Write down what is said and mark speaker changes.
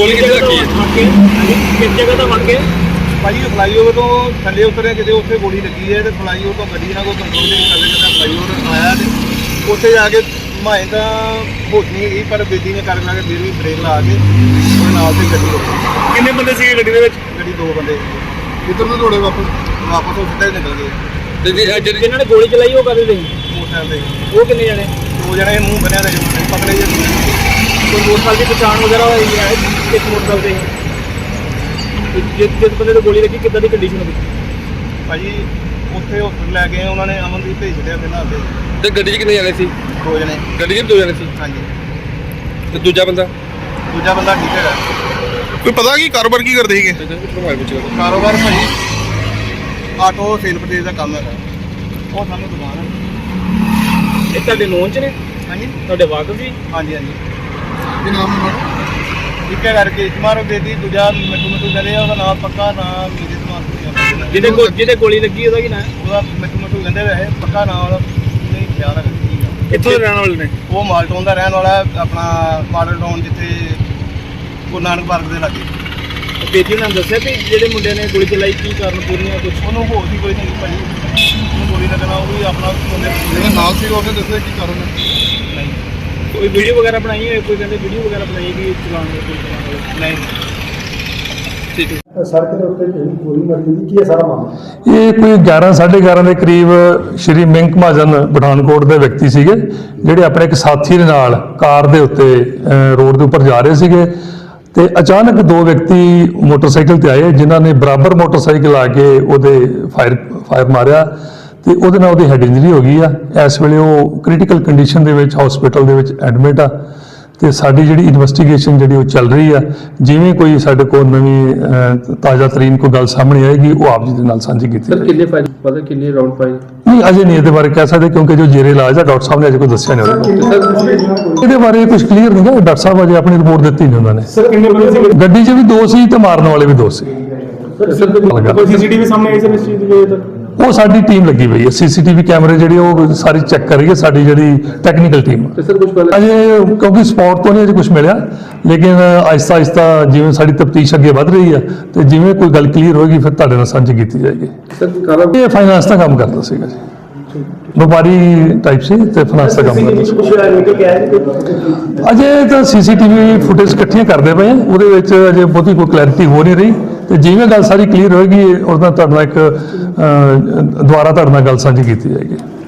Speaker 1: ਗੋਲੀ ਕਿੱਥੇ ਲੱਗੀ ਹੈ?
Speaker 2: ਕਿਸ ਜਗ੍ਹਾ ਤੋਂ ਵੜ ਕੇ
Speaker 3: ਭਾਜੀ ਫਲਾਈਓਵਰ ਤੋਂ ਥੱਲੇ ਉਤਰੇ ਕਿਤੇ ਉੱਥੇ ਗੋਲੀ ਲੱਗੀ ਹੈ ਤੇ ਫਲਾਈਓਵਰ ਤੋਂ ਗੱਡੀ ਨਾਲ ਕੋਈ ਕੰਟਰੋਲ ਨਹੀਂ ਕਰ ਸਕਦਾ। ਫਲਾਈਓਵਰ ਆਇਆ ਤੇ ਉੱਥੇ ਜਾ ਕੇ ਮਾਏ ਤਾਂ ਹੋਸ਼ ਨਹੀਂ ਗਈ, ਪਰ ਬੇਦੀ ਨੇ ਕਰ ਲਾ ਕੇ ਫਿਰ ਵੀ ਬ੍ਰੇਕ ਲਾ ਕੇ ਉਹਦੇ ਨਾਲ ਤੇ ਗੱਡੀ ਰੋਕੀ।
Speaker 1: ਕਿੰਨੇ ਬੰਦੇ ਸੀਗੇ ਗੱਡੀ ਦੇ ਵਿੱਚ?
Speaker 3: ਗੱਡੀ 2 ਬੰਦੇ ਕਿੱਧਰ ਨੂੰ ਦੌੜੇ ਵਾਪਸ ਉਹ ਸਿੱਧਾ ਹੀ ਨਿਕਲ ਗਏ।
Speaker 1: ਤੇ
Speaker 2: ਜਿਨ੍ਹਾਂ ਨੇ ਗੋਲੀ ਚਲਾਈ ਉਹ ਕਦੇ ਨਹੀਂ
Speaker 3: ਮੋਟਰਸਾਈਕਲ ਤੇ
Speaker 2: ਉਹ ਕਿੰਨੇ ਜਣੇ
Speaker 3: 2 ਜਣੇ ਮੂੰਹ ਬੰਨਿਆ ਤੇ ਪਤਲੇ ਜਿਹੇ
Speaker 2: ਕੋਈ ਮੋਟਰਸਾਈਕਲ ਦੀ ਪਛਾਣ ਵਗੈਰਾ ਹੋਈ ਹੈ ਕਿਸ ਮੋਟਰਸਾਈਕਲ ਤੇ ਜਿਸ ਬੰਦੇ ਨੂੰ ਗੋਲੀ ਲੱਗੀ ਕਿੱਦਾਂ ਦੀ ਕੰਡੀਸ਼ਨ ਹੋਈ?
Speaker 3: ਭਾਜੀ ਉੱਥੇ ਹਸਪਤਾਲ ਲੈ ਗਏ ਉਹਨਾਂ ਨੇ, ਅਮਨਦੀਪ ਭੇਜ ਛੱਡਿਆ ਪਹਿਲਾਂ ਅੱਗੇ।
Speaker 1: ਤੇ ਗੱਡੀ 'ਚ ਕਿੰਨੇ ਜਾਣੇ ਸੀ?
Speaker 3: 2 ਜਣੇ
Speaker 1: ਗੱਡੀ 'ਚ 2 ਜਾਣੇ ਸੀ।
Speaker 3: ਹਾਂਜੀ।
Speaker 1: ਤੇ ਦੂਜਾ ਬੰਦਾ
Speaker 3: ਠੀਕ ਹੈਗਾ।
Speaker 1: ਕੋਈ ਪਤਾ ਕੀ ਕਾਰੋਬਾਰ ਕੀ ਕਰਦੇ ਸੀਗੇ?
Speaker 3: ਕਾਰੋਬਾਰ ਭਾਜੀ ਆਟੋ ਸੇਲ ਪਰਚੇਜ਼ ਦਾ ਕੰਮ ਹੈਗਾ। ਉਹ ਸਾਨੂੰ ਦੁਕਾਨ ਹੈ।
Speaker 2: ਇਹ ਤੁਹਾਡੇ ਨੋਨ ਚ ਨੇ?
Speaker 3: ਹਾਂਜੀ
Speaker 2: ਤੁਹਾਡੇ ਵਾਕਫ ਜੀ?
Speaker 3: ਹਾਂਜੀ ਹਾਂਜੀ। ਕੀ ਨਾਮ ਹੈ? ਇੱਕ ਹੈ ਕਰਕੇ ਮਾਰੋ ਬੇਦੀ, ਦੂਜਾ ਮਿੱਠੂ ਕਹਿੰਦੇ ਆ, ਉਹਦਾ ਨਾਮ ਪੱਕਾ ਨਾਮ ਮੇਰੇ ਦਿਮਾਗ
Speaker 2: ਜਿਹਦੇ ਗੋਲੀ ਲੱਗੀ ਉਹਦਾ ਕੀ ਨਾਮ?
Speaker 3: ਉਹਦਾ ਮਿੱਠੂ ਕਹਿੰਦੇ ਵੈਸੇ, ਪੱਕਾ ਨਾਮ ਉਹਦਾ ਨਹੀਂ ਖਿਆਲ ਹੈਗਾ।
Speaker 2: ਕਿੱਥੋਂ ਦੇ ਰਹਿਣ ਵਾਲੇ ਨੇ?
Speaker 3: ਉਹ ਮਾਲਟਾਊਨ ਦਾ ਰਹਿਣ ਵਾਲਾ, ਆਪਣਾ ਮਾਡਲ ਟਾਊਨ ਜਿੱਥੇ ਗੁਰੂ ਨਾਨਕ ਪਾਰਕ ਦੇ ਲਾਗੇ।
Speaker 2: ਬੇਦੀ ਨੇ ਦੱਸਿਆ ਵੀ ਜਿਹੜੇ ਮੁੰਡੇ ਨੇ ਗੋਲੀ ਚਲਾਈ ਕੀ ਕਾਰਨ ਪੂਰੀਆਂ ਕੁਝ?
Speaker 3: ਉਹਨੂੰ ਹੋਰ ਵੀ ਕੋਈ ਨਹੀਂ ਭਾਜੀ, ਉਹਨੂੰ ਗੋਲੀ ਲੱਗਣਾ ਉਹ ਵੀ ਆਪਣਾ ਨਾਲ ਸੀ। ਉਹਨੇ ਦੱਸਿਆ ਕੀ ਕਾਰਨ ਨਹੀਂ।
Speaker 2: ਕੋਈ ਵੀਡੀਓ ਵਗੈਰਾ ਬਣਾਈ ਹੋਏ? ਕੋਈ ਕਹਿੰਦੇ ਵੀਡੀਓ ਵਗੈਰਾ ਬਣਾਈ ਕਿ ਚਲਾਉਣ ਦੇ?
Speaker 3: ਨਹੀਂ।
Speaker 1: ਠੀਕ ਹੈ।
Speaker 4: ਸੜਕ ਦੇ ਉੱਤੇ ਗੋਲੀ ਮਾਰੀ ਗਈ, ਕੀ ਹੈ ਸਾਰਾ ਮਾਮਲਾ?
Speaker 5: ਇਹ ਕੋਈ 11:30 ਦੇ ਕਰੀਬ ਸ਼੍ਰੀ ਮਿੰਕ ਮਹਾਜਨ ਪਠਾਨਕੋਟ ਦੇ ਵਿਅਕਤੀ ਸੀਗੇ, ਜਿਹੜੇ ਆਪਣੇ ਇੱਕ ਸਾਥੀ ਦੇ ਨਾਲ ਕਾਰ ਦੇ ਉੱਤੇ ਰੋਡ ਦੇ ਉੱਪਰ ਜਾ ਰਹੇ ਸੀਗੇ ਤੇ ਅਚਾਨਕ 2 ਵਿਅਕਤੀ ਮੋਟਰਸਾਈਕਲ ਤੇ ਆਏ, ਜਿਨ੍ਹਾਂ ਨੇ ਬਰਾਬਰ ਮੋਟਰਸਾਈਕਲ ਆ ਕੇ ਉਹਦੇ ਫਾਇਰ ਮਾਰਿਆ ਤੇ ਉਹਦੇ ਨਾਲ ਉਹਦੀ ਹੈਡ ਇੰਜਰੀ ਹੋ ਗਈ ਆ। ਇਸ ਵੇਲੇ ਉਹ ਕ੍ਰਿਟੀਕਲ ਕੰਡੀਸ਼ਨ ਦੇ ਵਿੱਚ ਹਸਪੀਟਲ ਦੇ ਵਿੱਚ ਐਡਮਿਟ ਆ ਤੇ ਸਾਡੀ ਜਿਹੜੀ ਇਨਵੈਸਟੀਗੇਸ਼ਨ ਜਿਹੜੀ ਉਹ ਚੱਲ ਰਹੀ ਆ। ਜਿਵੇਂ ਕੋਈ ਸਾਡੇ ਕੋਲ ਨਵੀਂ ਤਾਜ਼ਾ ਤਰੀਨ ਕੋਈ ਗੱਲ ਸਾਹਮਣੇ ਆਏਗੀ ਉਹ ਆਪ ਜੀ ਦੇ ਨਾਲ ਸਾਂਝੀ ਕੀਤੀ ਜਾਏਗੀ।
Speaker 6: ਕਿੰਨੇ ਫਾਇਲ ਪਤਾ ਕਿੰਨੇ ਰਾਉਂਡ ਫਾਇਲ?
Speaker 5: ਨਹੀਂ, ਅਜੇ ਨਹੀਂ ਇਹਦੇ ਬਾਰੇ ਕਹਿ ਸਕਦੇ, ਕਿਉਂਕਿ ਜੋ ਜੇਰੇ ਇਲਾਜ ਆ ਡਾਕਟਰ ਸਾਹਿਬ ਨੇ ਅਜੇ ਕੋਈ ਦੱਸਿਆ ਨਹੀਂ ਉਹਦੇ ਇਹਦੇ ਬਾਰੇ ਕੁਝ ਕਲੀਅਰ ਨਹੀਂ ਗਾ। ਡਾਕਟਰ ਸਾਹਿਬ ਅਜੇ ਆਪਣੀ ਰਿਪੋਰਟ ਦਿੱਤੀ ਨਹੀਂ ਉਹਨਾਂ ਨੇ।
Speaker 4: ਸਰ ਕਿੰਨੇ ਬੰਦੇ ਸੀ
Speaker 5: ਗੱਡੀ 'ਚ ਵੀ 2 ਸੀ ਤੇ ਮਾਰਨ ਵਾਲੇ ਵੀ 2 ਸੀ।
Speaker 4: ਕੋਈ ਸੀਸੀਟੀਵੀ ਸਾਹਮਣੇ ਆਈ ਸਰ ਇਸ ਚੀਜ਼ ਦੀ?
Speaker 5: ਉਹ ਸਾਡੀ ਟੀਮ ਲੱਗੀ ਹੋਈ ਹੈ, ਸੀਸੀਟੀਵੀ ਕੈਮਰੇ ਜਿਹੜੇ ਉਹ ਸਾਰੀ ਚੈੱਕ ਕਰ ਰਹੀ ਹੈ ਸਾਡੀ ਜਿਹੜੀ ਟੈਕਨੀਕਲ ਟੀਮ।
Speaker 6: ਤੇ ਸਰ ਕੁਝ ਪਹਿਲਾਂ
Speaker 5: ਅਜੇ ਕਿਉਂਕਿ ਸਪੌਟ ਤੋਂ ਨਹੀਂ ਅਜੇ ਕੁਝ ਮਿਲਿਆ, ਲੇਕਿਨ ਆਹਿਸਤਾ ਆਹਿਸਤਾ ਜਿਵੇਂ ਸਾਡੀ ਤਫਤੀਸ਼ ਅੱਗੇ ਵਧ ਰਹੀ ਹੈ ਤੇ ਜਿਵੇਂ ਕੋਈ ਗੱਲ ਕਲੀਅਰ ਹੋਏਗੀ ਫਿਰ ਤੁਹਾਡੇ ਨਾਲ ਸਾਂਝੀ ਕੀਤੀ ਜਾਏਗੀ।
Speaker 6: ਸਰ ਕਾਲਾ
Speaker 5: ਇਹ ਫਾਈਨਾਂਸ ਦਾ ਕੰਮ ਕਰਦਾ ਸੀਗਾ ਜੀ, ਵਪਾਰੀ ਟਾਈਪ ਸੀ ਤੇ ਫਾਈਨਾਂਸ ਦਾ ਕੰਮ ਕਰਦਾ ਸੀ। ਅਜੇ ਤਾਂ ਸੀਸੀਟੀਵੀ ਫੁਟੇਜ ਇਕੱਠੀਆਂ ਕਰਦੇ ਪਏ ਆ, ਉਹਦੇ ਵਿੱਚ ਅਜੇ ਬਹੁਤੀ ਕੋਈ ਕਲੈਰਿਟੀ ਹੋ ਨਹੀਂ ਰਹੀ ਤੇ ਜਿਵੇਂ ਗੱਲ ਸਾਰੀ ਕਲੀਅਰ ਹੋਏਗੀ ਉਹਦਾ ਤੁਹਾਡੇ ਨਾਲ ਇੱਕ ਦੁਬਾਰਾ ਤੁਹਾਡੇ ਨਾਲ ਗੱਲ ਸਾਂਝੀ ਕੀਤੀ ਜਾਏਗੀ।